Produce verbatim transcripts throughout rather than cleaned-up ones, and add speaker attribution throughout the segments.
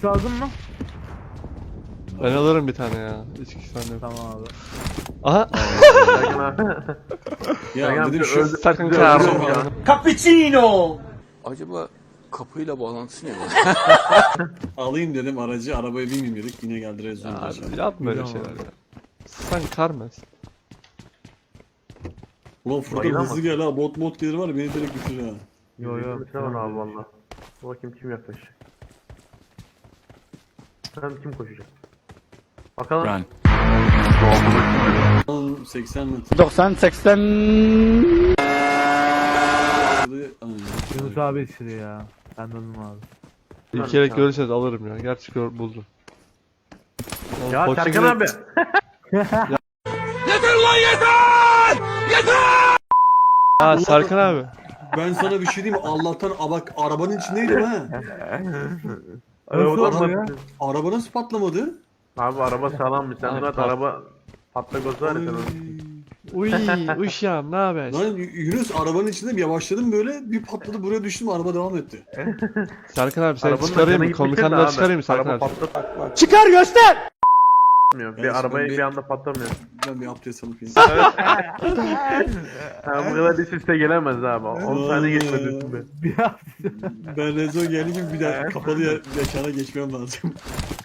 Speaker 1: X lazım mı?
Speaker 2: Ben alırım bir tane ya. Hiç iki tane yok.
Speaker 1: Tamam abi.
Speaker 2: Aha.
Speaker 3: Ya dedim şu
Speaker 2: Sakın çağırma.
Speaker 4: Cappuccino.
Speaker 5: Acaba kapıyla bağlantısı ne var?
Speaker 3: alayım dedim aracı, arabaya binmeyeyim dedik. Yine geldi rezon.
Speaker 2: Abi yapma öyle şeyler ya. Sen karmez.
Speaker 3: Ulan Furkan
Speaker 6: Bayılamaz.
Speaker 3: hızlı gel ha. Bot bot gelir var ya, beni direkt bitirir ha.
Speaker 6: Yo yo bitiremem abi valla. Dur bakayım kim yaklaşacak. Sen kim koşacak? Bakalım.
Speaker 5: Run.
Speaker 3: Lan seksen metre.
Speaker 4: doksan seksen.
Speaker 1: Yunus abi yetiştiriyor ya. Ben döndüm abi.
Speaker 2: İlk kere görürseniz alırım ya. Gerçi gör, buldum.
Speaker 6: Ya
Speaker 2: Koçun
Speaker 6: Serkan
Speaker 2: direkt-
Speaker 6: abi.
Speaker 2: Ha Serkan abi.
Speaker 3: Ben sana bir şey diyeyim mi? Allah'tan a bak arabanın içindeydim ha.
Speaker 1: Nasıl
Speaker 6: Araba
Speaker 1: oldu ya?
Speaker 3: Araba nasıl patlamadı?
Speaker 6: Abi araba sağlammış. Sen
Speaker 2: Abi,
Speaker 6: zaten
Speaker 2: pat-
Speaker 6: araba patlak olsa var ya sen onu.
Speaker 2: Uy, uşağım ne haber?
Speaker 3: Lan Yunus arabanın içindeyim, yavaşladım böyle, bir patladı, buraya düştüm, araba devam etti.
Speaker 2: Serkan abi seni
Speaker 6: Arabanın
Speaker 2: çıkarayım
Speaker 6: canı
Speaker 2: mı?
Speaker 6: gitmiştir de
Speaker 2: Komutandan
Speaker 6: abi.
Speaker 2: çıkarayım mı Serkan
Speaker 6: Araba
Speaker 2: abi?
Speaker 6: patlatmıyor.
Speaker 4: Çıkar göster.
Speaker 3: Ben
Speaker 6: Bir arabayı
Speaker 3: bir-
Speaker 6: bir anda patlamıyor.
Speaker 3: Ben bir abdest alıp ineyim.
Speaker 6: Ha, bu kadar üst üste gelemez abi. on saniye geçmedi üstünde.
Speaker 1: Bir hafta.
Speaker 3: Ben rezon gelince bir daha kapalı yer, yaşana geçmem lazım.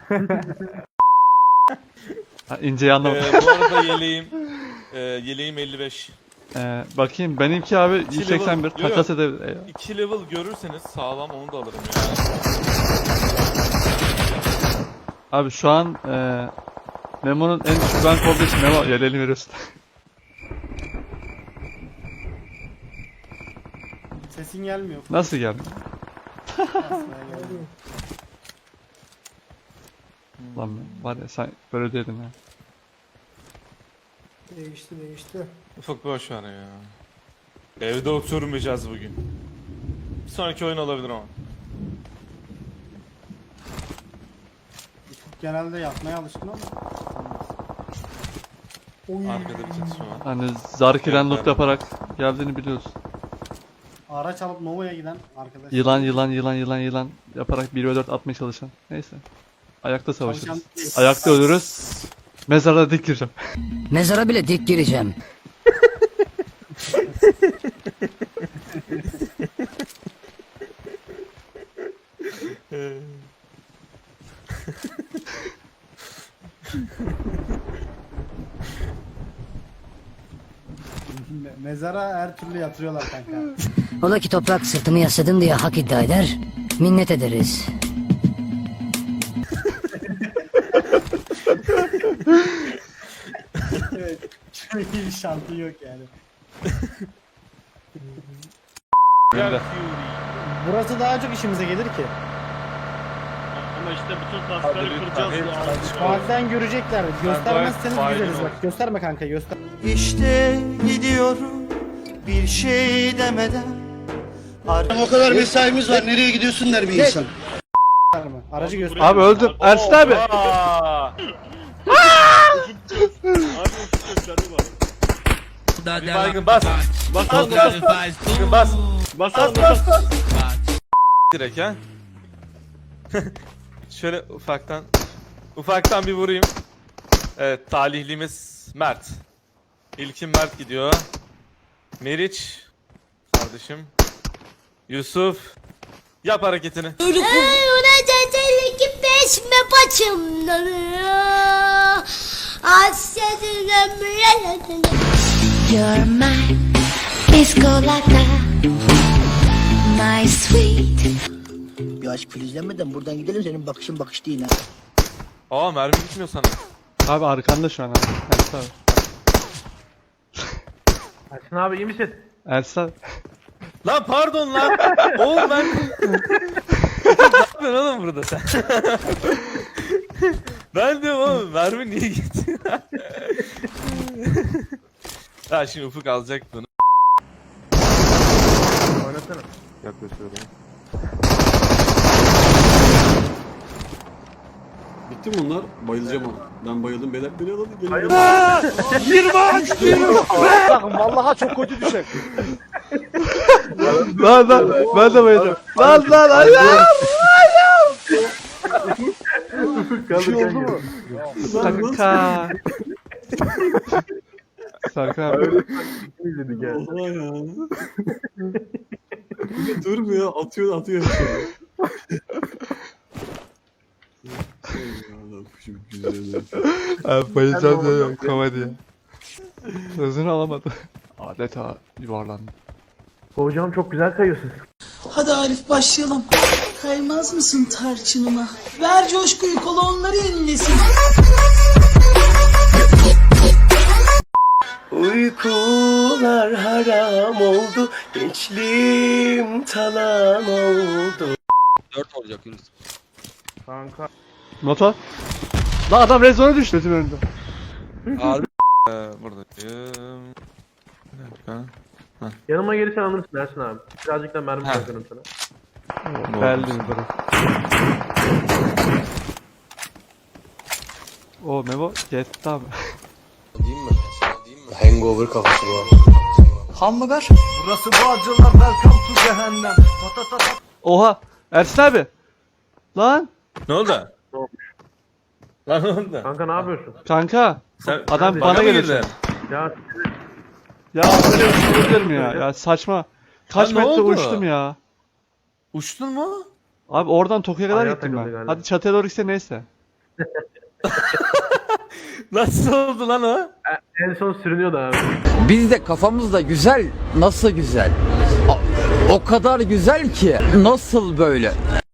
Speaker 2: Ha, inceyi anlamadım.
Speaker 7: Ee, bu arada yeleğim e, yeleğim elli beş.
Speaker 2: Ee, bakayım benimki abi
Speaker 7: İki
Speaker 2: yüz seksen bir
Speaker 7: level- Yo,
Speaker 2: takas
Speaker 7: yo.
Speaker 2: edebilir. Eyvah.
Speaker 7: iki level görürseniz sağlam onu da alırım ya.
Speaker 2: Abi şu an e, Memo'nun en düşük rank olduğu için Memo yeleğini veriyorsun.
Speaker 4: Sesin gelmiyor.
Speaker 2: Nasıl geldi? Lan var ya sen böyle dedin ya.
Speaker 4: Değişti değişti.
Speaker 7: Ufak boş ver ya. Evde oturmayacağız bugün. Bir sonraki oyun olabilir ama.
Speaker 4: Genelde yapmaya alışkın ama. Oy.
Speaker 7: Arkada bir çatışma var.
Speaker 2: Hani Zarki'den
Speaker 7: Evet,
Speaker 2: loot
Speaker 7: evet.
Speaker 2: yaparak geldiğini biliyorsun.
Speaker 4: Araç alıp Nova'ya giden arkadaş.
Speaker 2: Yılan yılan yılan yılan yılan yaparak bir ve dört atmaya çalışan. Neyse. Ayakta savaşırız.
Speaker 4: Çalışan-
Speaker 2: Ayakta ölürüz. Mezarda dik gireceğim.
Speaker 8: Mezara bile dik gireceğim.
Speaker 4: Me- Mezara her türlü yatırıyorlar kanka.
Speaker 8: Ola ki toprak sırtımı yasladım diye hak iddia eder. Minnet ederiz.
Speaker 4: Evet. Çok iyi bir şansı yok yani.
Speaker 7: Gel
Speaker 4: Burası daha çok işimize gelir ki.
Speaker 9: Ama işte bütün taskları kıracağız.
Speaker 4: Bazen görecekler. Göstermezseniz
Speaker 7: Fail
Speaker 4: gideriz
Speaker 7: ol.
Speaker 4: bak. Gösterme kanka göster.
Speaker 10: İşte gidiyorum bir şey demeden.
Speaker 4: O kadar mesaimiz var. Nereye gidiyorsun der bir insan. Aracı göster.
Speaker 2: Abi öldüm. Ersin abi.
Speaker 7: Aa! Bir baygın bas. Bas bas bas. Baygın bas.
Speaker 9: Bas bas bas.
Speaker 7: Direkt ha. Şöyle ufaktan ufaktan bir vurayım. Evet, talihlimiz Mert. İlkin Mert gidiyor. Meriç kardeşim. Yusuf yap hareketini.
Speaker 8: You're my Escolata, my sweet.
Speaker 10: Bir aşk filizlenmeden buradan gidelim, senin bakışın bakış değil ha.
Speaker 7: Aa, mermi bitmiyor sana.
Speaker 2: Abi arkanda şu an abi. Ersin abi.
Speaker 6: Ersin abi iyi misin?
Speaker 2: Ersin abi.
Speaker 7: Lan pardon lan. Oğlum ben... Ne yapıyorsun oğlum burada sen? Ben diyorum oğlum mermi niye gitti? Ha şimdi Ufuk alacak bunu.
Speaker 6: Oynasana.
Speaker 7: Yaklaşıyorum.
Speaker 3: Bitti mi bunlar? Bayılacağım ama. Ben bayıldım, beyler beni alın. Gelin.
Speaker 4: Vallahi çok kötü düşer.
Speaker 2: Lan lan ben de bayılacağım. Lan lan ayağım ayağım.
Speaker 3: Bir şey oldu mu? Lan nasıl?
Speaker 2: Kanka. Serkan abi.
Speaker 6: İzledik ya.
Speaker 3: Oha ya. Bir de durmuyor, atıyor atıyor. Çok güzel.
Speaker 2: Abi bayılacağım ya komedi ya. Sözünü alamadı. Adeta yuvarlandı.
Speaker 6: Hocam çok güzel kayıyorsun.
Speaker 10: Hadi Arif başlayalım. Kaymaz mısın tarçınıma? Ver coşkuyu, kola onları yenilesin.
Speaker 4: Uykular haram oldu, gençliğim talan oldu.
Speaker 5: Dört olacak Yunus.
Speaker 6: Kanka.
Speaker 2: Motor. Lan adam rezona düştü tüm önünde.
Speaker 5: Harbi. Ee, buradayım. Bir dakika.
Speaker 6: Yanıma gelirsen alırsın Ersin abi. Birazcık da mermi
Speaker 5: Ha.
Speaker 6: bırakırım sana.
Speaker 2: Geldi mi bırak. O Memo gitti abi.
Speaker 5: Değil mi? Değil mi?
Speaker 4: Hangover kafası bu.
Speaker 10: Hamburger.
Speaker 1: Burası Bağcılar, welcome to cehennem. Ta ta ta ta.
Speaker 2: Oha Ersin abi. Lan
Speaker 7: Ne oldu? Lan ne oldu?
Speaker 6: Kanka ne yapıyorsun?
Speaker 2: kanka.
Speaker 7: Sen
Speaker 2: Adam
Speaker 6: Hadi.
Speaker 2: bana
Speaker 7: Bana mı
Speaker 2: geliyor.
Speaker 7: girdin?
Speaker 6: Ya
Speaker 2: Ya böyle bir şey olabilir mi ya? Ya saçma. Kaç
Speaker 7: Lan ne
Speaker 2: metre
Speaker 7: oldu?
Speaker 2: uçtum ya.
Speaker 7: Uçtun mu?
Speaker 2: Abi oradan Tokyo'ya kadar
Speaker 6: Ayağa
Speaker 2: gittim
Speaker 6: takıldı
Speaker 2: ben.
Speaker 6: galiba.
Speaker 2: Hadi çatıya doğru gitse neyse.
Speaker 7: Nasıl oldu lan o?
Speaker 6: en son sürünüyordu abi.
Speaker 5: Biz de kafamızda güzel. Nasıl güzel? O kadar güzel ki. Nasıl böyle?